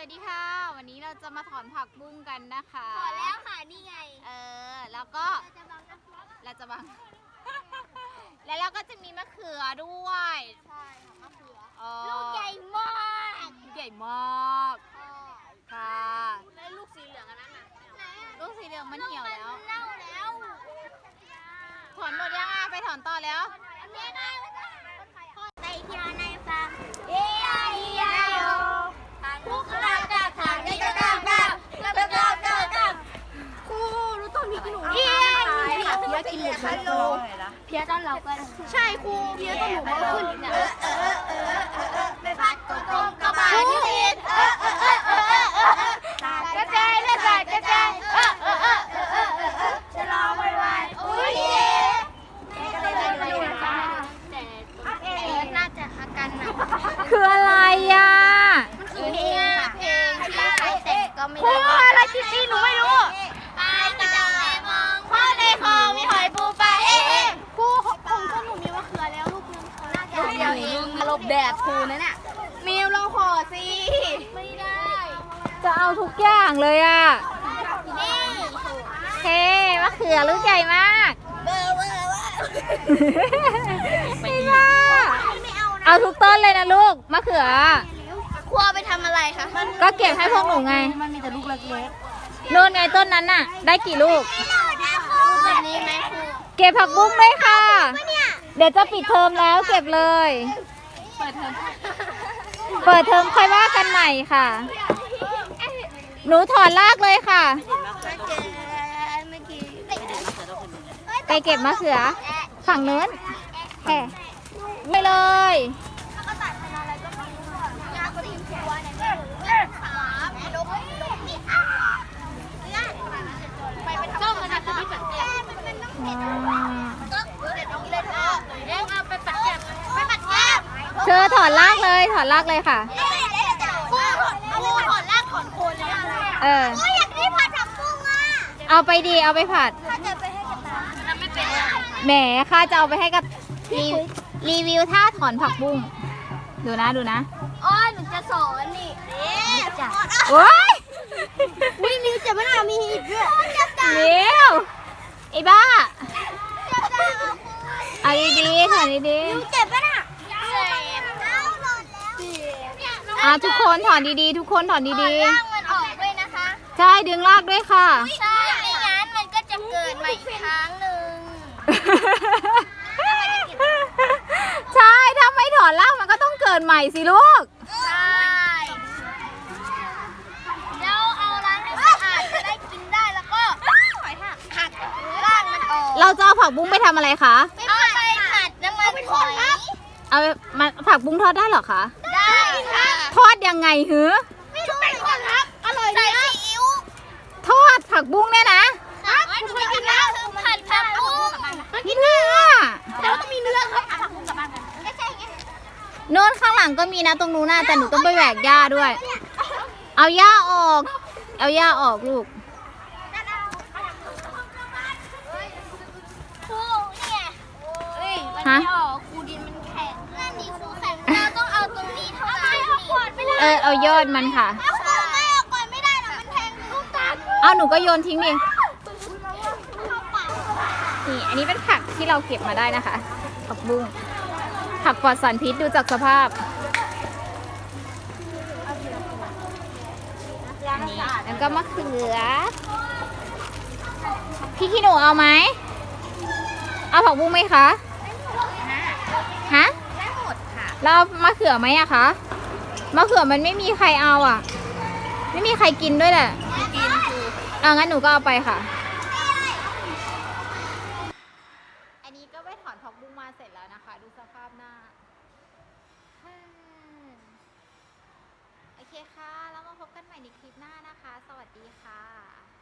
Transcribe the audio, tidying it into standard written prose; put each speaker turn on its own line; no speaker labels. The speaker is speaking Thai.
วัสดีค่ะวันนี้เราจะมาถอนผักบุ้งกันนะคะ
ถอนแล้วค่ะนี่ไง
แล้วก็เราจะบัง แล้วเราก็จะมีมะเขือด้วย
ใช่ค่ะมะเขือ
ลู
ลูกใหญ่มาก
ใหญ่มากค่ะ
แล้วลูกสีเหลืองอันนั้นน่ะ
ลูกสีเหลืองมันเหี่ยวแล้ว
เน่าแล้ว
ถอนหมดยังไปถอนต่อแล้ว
ไปเที่ยวในฟาร์มเอียเอียโยลูกกระดาษทางนี้กระดาษครูรู้ต้นพริกหนูเพี้ยกินหมูฮัลโหลเพี้ยต้นเรากันใช่ครูเพี้ยต้นหนูมันขึ้นเนี่ยไปพัดกลมกระบาดที่ดินกระจายจะรอไว้อุ้ยน่าจะอาการหนัก
คืออะไรอ่ะ
มันคือเพลงที่ใครแต่งก็ไม่ได้อะไรคิตตี้หนูไม่รู้ไปกระจังเลยมองพ่อในคลองมีหอยปูปลาครูของต้นหนูมีมะเขือแล้วลูกนึงน่าจะเดียวเองมาหลบแดดครูนั่นน่ะมิวลองขอสิไม่ได้
จะเอาทุกอย่างเลยอ่ะ
นี่
เฮ้มะเขือลูกใหญ่มากไม่ว่าเอาทุกต้นเลยนะลูกมะเขือ
ครูเอาไปทำอะไรคะ
ก็เก็บให้พวกหนูไง
มันมีแต่ลูกเล็ก
ๆโน่นไงต้นนั้นน่ะได้กี่ลูก
แบบนี้ไหมครู
เก็บผักบุ้งด้วยค่ะเดี๋ยวจะปิดเทอมแล้วเก็บเลยเปิดเทอมค่อยว่ากันใหม่ค่ะหนูถอนรากเลยค่ะไปเก็บมะเขือฝั่งนู้นแห่ไม่เลยเธอถอนรากเลยค่ะ
ครูถอนรากถอนโคนเลยอยากได้ผัดผักบุ้งอ่ะ
เอาไปดีเอาไปผัด
ถ้าจะไปให้กระต่ายทำไม่เป็น
แหมข้าจะเอาไปให้กับรีวิวท่าถอนผักบุ้งดูนะ
หนูจะสอนนี่จับ
โอ้ย
นิ้วจะไม่น่ามีอีกด้วย
นิ้วไอ้บ้าเอาดีๆถอนดี
ๆเจ็บปะน่ะ
ทุกคนถอนดีๆทุกคนถอนดี
ๆรากมันออกด้วยนะคะ
ใช่ดึงรากด้วยค่ะ
ใช่ไม่งั้นมันก็จะเกิดใหม่อีกครั้งหนึ่ง
ใช่ถ้าไม่ถอนรากมันก็ต้องเกิดใหม่สิลูก
ใช่แล้วเอาล้างให้สะอาดจะได้กินได้แล้วก็หักรากมันออก
เราจะเอาผักบุ้งไปทำอะไรคะ
เอาไปผัดน้ำมันหอย
เอามาผักบุ้งทอดได้หรอคะ
ได้ค่ะ
ทอดยังไงหือ
ไม่รู้เหมือนกันครับอร่อยดีใส่ซีอิ๊ว
ทอดผักบุ้งเนี่ยนะ
หนูเคยกินแล้วคือผัดผักบุ้ง
กินเนื้อ
แล้วก็มีเนื้อครับผักบุ้งกับบ้านกัน
โน้นข้างหลังก็มีนะตรงนู้นนะแต่หนูต้องไปแหวกหญ้าด้วยเอาหญ้าออกลูก
ครูเนี่ยมันไม่ออกครูดินมันแข็งนั่นนี่ครูแข็งเราต้องเอาตรงนี้เท่านั้น
เอายอดมันค่ะ
ครูไม่เอาก่อนไม่ได้หรอกมันแทงลูกตา
เอาหนูก็โยนทิ้งดินี่อันนี้เป็นผักที่เราเก็บมาได้นะคะผักบุ้งผักปลอดสารพิษดูจากสภาพอันนี้แล้วก็มะเขือพี่ขี้หนูเอาไหมเอาผักบุ้งไหมคะฮะ
ได้หมดค่ะ
แล้วมะเขือไหมอะคะมะเขือมันไม่มีใครเอาอะไม่มีใครกินด้วยแหละ
กินคือ
งั้นหนูก็เอาไปค่ะอันนี้ก็ไปถอนผักบุ้งมาเสร็จแล้วนะคะดูสภาพหน้าโอเคค่ะแล้วมาพบกันใหม่ในคลิปหน้านะคะสวัสดีค่ะ